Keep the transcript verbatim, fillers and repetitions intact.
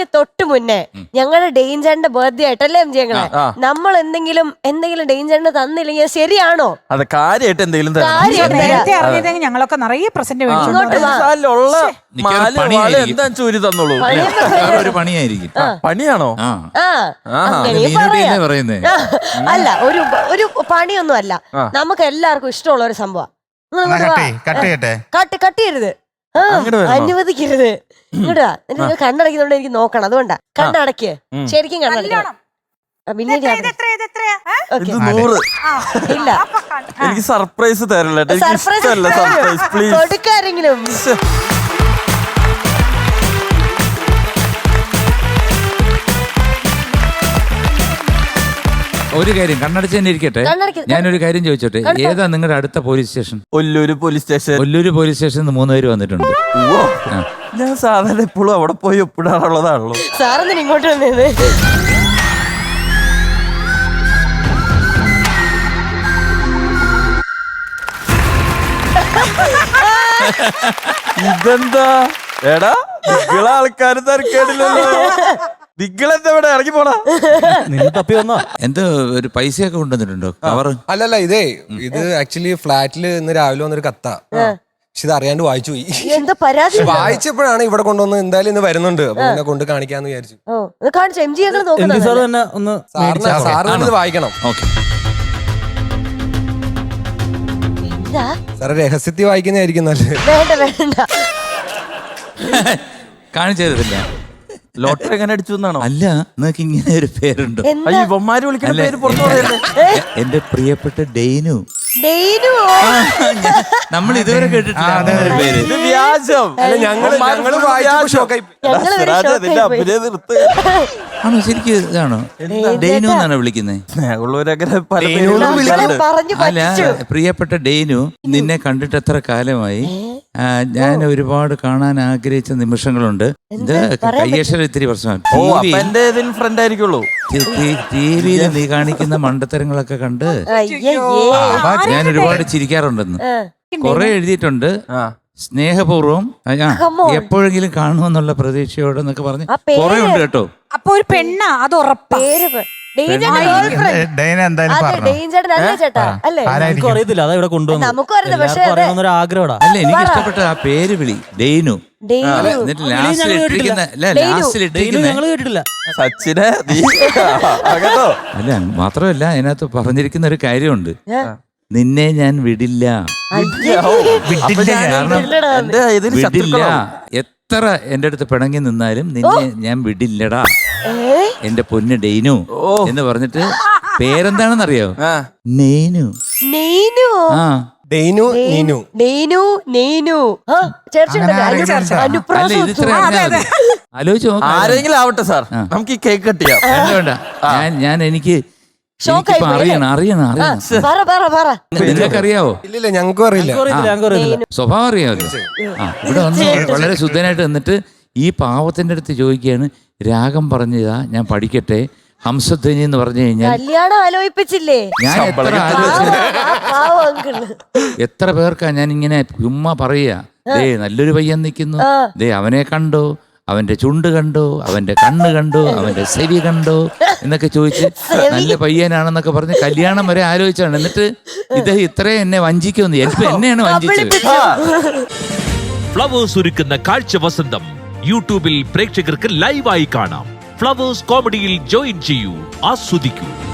അതിന് തൊട്ട് മുന്നേ ഞങ്ങളുടെ ഡെയിൻചാറിന്റെ ബർത്ത്ഡേ ആയിട്ടല്ലേ എം ജി ഞങ്ങളെ നമ്മൾ എന്തെങ്കിലും എന്തെങ്കിലും ഡെയിൻചാറിന് തന്നില്ലെങ്കിൽ ശരിയാണോ? അതെ, കാര്യമായിട്ട് എന്തെങ്കിലും നേരത്തെ അറിഞ്ഞതെങ്കിൽ ഞങ്ങളൊക്കെ നിറയെ പ്രസന്റ് എന്താ ചൂരി തന്നോളൂ. ഒരു പണിയായിരിക്കും. പണിയാണോ? പറയുന്നേ അല്ല, ഒരു ഒരു പണിയൊന്നും അല്ല, നമുക്ക് എല്ലാവർക്കും ഇഷ്ടമുള്ള ഒരു സംഭവം. കട്ട് കട്ട് ചെയ്യരുത്, അനുവദിക്കരുത്. ഇങ്ങോട്ടാ, എനിക്ക് കണ്ണടയ്ക്കുന്നോണ്ട് എനിക്ക് നോക്കണം, അതുകൊണ്ടാ. കണ്ണടക്ക്, ശരിക്കും കണ്ണടക്കണം. പിന്നെ ഇല്ല, എനിക്ക് സർപ്രൈസ് തരില്ല. കൊടുക്കാരെങ്കിലും ഒരു കാര്യം കണ്ണടച്ച് തന്നെ ഇരിക്കട്ടെ. ഞാനൊരു കാര്യം ചോദിച്ചോട്ടെ, ഏതാ നിങ്ങളുടെ അടുത്ത police station? Ollur police station. Ollur police സ്റ്റേഷനിൽ മൂന്ന് പേര് വന്നിട്ടുണ്ട്. ഞാൻ സാധാരണ എപ്പോഴും അവിടെ പോയി ഒപ്പിടാറുള്ളതാണല്ലോ. സാറെന്തിനാ ഇങ്ങോട്ട് വന്നത്? ഇതെന്താ എടാ, നിങ്ങളെ ആൾക്കാര് തിരക്കേടില്ലല്ലോ. നിങ്ങളെന്താ ഇവിടെ ഇറങ്ങി പോടാ? നിങ്ങൾ തപ്പി വന്നോ? എന്തോ ഒരു പൈസയൊക്കെ കൊണ്ടുവന്നിട്ടുണ്ടോ? കവർ അല്ലല്ല, ഇതേ ഇത് ആക്ച്വലി ഫ്ലാറ്റില് ഇന്ന് രാവിലെ വന്നൊരു കത്താ. പക്ഷെ ഇത് അറിയാണ്ട് വായിച്ചു പോയി. എന്താ പരാതി? വായിച്ചപ്പോഴാണ് ഇവിടെ കൊണ്ടുവന്ന് എന്തായാലും ഇന്ന് വരുന്നുണ്ട്, അപ്പൊ പിന്നെ കൊണ്ട് കാണിക്കാന്ന് വിചാരിച്ചു. സാറിന് ഇത് വായിക്കണം. സാറ് രഹസ്യത്തിൽ വായിക്കുന്നതായിരിക്കും നല്ലത്. വേണ്ട വേണ്ട, കാണിച്ചു തരത്തില്ല. ലോട്ടറി എങ്ങനെ അടിച്ചു എന്നാണോ? അല്ല, നിങ്ങൾക്ക് ഇങ്ങനെ ഒരു പേരുണ്ടോ? ഇവന്മാര് വിളിക്കുന്ന പേര് പുറത്തു പറയല്ലേ? എന്റെ പ്രിയപ്പെട്ട ഡെയ്നു. നമ്മൾ ഇതുവരെ കേട്ടിട്ടില്ല പേര്. ഇത് വ്യാജം. ആണോ? ശരിക്കും ഇതാണോ? ഡെയ്നു എന്നാണ് വിളിക്കുന്നത്. അല്ല, പ്രിയപ്പെട്ട ഡെയ്നു, നിന്നെ കണ്ടിട്ട് എത്ര കാലമായി. ഞാൻ ഒരുപാട് കാണാൻ ആഗ്രഹിച്ച നിമിഷങ്ങളുണ്ട്. ഇത് കയ്യക്ഷരം ഇത്തിരി പ്രശ്നമാണ്. ഫ്രണ്ട് ആയിരിക്കുള്ളൂ. ടി വിയിൽ നീ കാണിക്കുന്ന മണ്ടത്തരങ്ങളൊക്കെ കണ്ട് ഞാൻ ഒരുപാട് ചിരിക്കാറുണ്ടെന്ന് കൊറേ എഴുതിയിട്ടുണ്ട്. സ്നേഹപൂർവ്വം എപ്പോഴെങ്കിലും കാണുമെന്നുള്ള പ്രതീക്ഷയോടെ എന്നൊക്കെ പറഞ്ഞ് കൊറേ ഉണ്ട് കേട്ടോ. അപ്പൊ ഒരു പെണ്ണാ, അത് ഉറപ്പാ. ആഗ്രഹം. അല്ല, എനിക്ക് ഇഷ്ടപ്പെട്ട ആ പേര് വിളി ഡെയ്നു. എന്നിട്ട് ലാസ്റ്റിൽ ഇട്ടിരിക്കുന്ന ലാസ്റ്റിൽ ഇട്ടിരിക്കുന്ന സച്ചിനെ. അല്ല, മാത്രമല്ല അതിനകത്ത് പറഞ്ഞിരിക്കുന്ന ഒരു കാര്യമുണ്ട്, നിന്നെ ഞാൻ വിടില്ല. വിടില്ല, എത്ര എന്റെ അടുത്ത് പിണങ്ങി നിന്നാലും നിന്നെ ഞാൻ വിടില്ലടാ എന്റെ പൊന്ന് ഡെയ്നു എന്ന് പറഞ്ഞിട്ട് പേരെന്താണെന്നറിയോ? നെയ്നു. ആ, ഡെയ്നു നീനു. ഡെയ്നു നെയ്നു. ആലോചിച്ച് നോക്കാം. ആരെങ്കിലും ആവട്ടെ സാർ, നമുക്ക് ഈ കേക്ക് കട്ട് ചെയ്യാം. വേണ്ട, ഞാൻ ഞാൻ എനിക്ക് അറിയണം അറിയണം അറിയണം നിങ്ങൾക്കറിയാവോ? ഇല്ലില്ല, ഞങ്ങൾക്കും അറിയില്ല. സ്വഭാവം അറിയാമല്ലോ. ആ, ഇവിടെ വന്ന് വളരെ ശുദ്ധനായിട്ട് നിന്നിട്ട് ഈ പാവത്തിന്റെ അടുത്ത് ചോദിക്കുകയാണ്, രാഗം പറഞ്ഞതാ ഞാൻ പഠിക്കട്ടെ, ഹംസധ്വനി എന്ന് പറഞ്ഞു കഴിഞ്ഞാൽ കല്യാണം ആലോചിപ്പിച്ചില്ലേ? ഞാൻ എത്ര എത്ര പേർക്കാ ഞാൻ ഇങ്ങനെ ചുമ്മാ പറയാ, ദേ നല്ലൊരു പയ്യൻ നിൽക്കുന്നു, ദേ അവനെ കണ്ടോ, അവന്റെ ചുണ്ട് കണ്ടോ, അവന്റെ കണ്ണ് കണ്ടോ, അവന്റെ ചെവി കണ്ടോ എന്നൊക്കെ ചോദിച്ച് നല്ല പയ്യനാണെന്നൊക്കെ പറഞ്ഞ് കല്യാണം വരെ ആലോചിച്ചാണ്. എന്നിട്ട് ഇദ്ദേഹം ഇത്രയും എന്നെ വഞ്ചിക്കുമെന്ന് എനിക്ക് എന്നെയാണ് വഞ്ചിച്ചത്. ഫ്ലവേഴ്സ് ഒരുക്കുന്ന കാഴ്ച വസന്തം യൂട്യൂബിൽ പ്രേക്ഷകർക്ക് ലൈവായി കാണാം. ഫ്ലവേഴ്സ് കോമഡിയിൽ ജോയിൻ ചെയ്യൂ, ആസ്വദിക്കൂ.